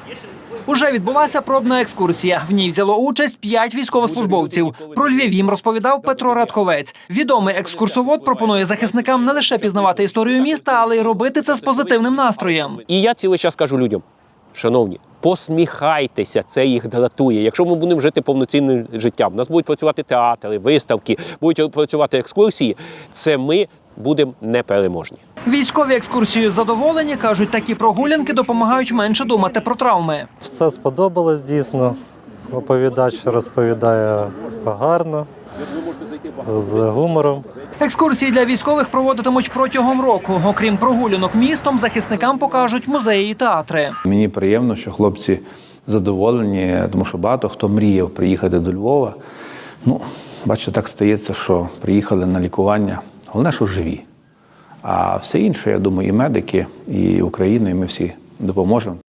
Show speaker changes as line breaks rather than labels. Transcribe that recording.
Уже відбулася пробна екскурсія. В ній взяло участь 5 військовослужбовців. Про Львів їм розповідав Петро Радковець. Відомий екскурсовод пропонує захисникам не лише пізнавати історію міста, але й робити це з позитивним настроєм.
І я цілий час кажу людям, шановні, посміхайтеся, це їх дратує. Якщо ми будемо жити повноцінним життям, у нас будуть працювати театри, виставки, будуть працювати екскурсії, це ми будемо непереможні.
Військові екскурсією задоволені, кажуть, такі прогулянки допомагають менше думати про травми.
Все сподобалось дійсно. Оповідач розповідає гарно, з гумором.
Екскурсії для військових проводитимуть протягом року. Окрім прогулянок містом, захисникам покажуть музеї і театри.
Мені приємно, що хлопці задоволені, тому що багато хто мріяв приїхати до Львова. Бачите, так стається, що приїхали на лікування. Головне, що живі. А все інше, я думаю, і медики, і Україна, і ми всі допоможемо.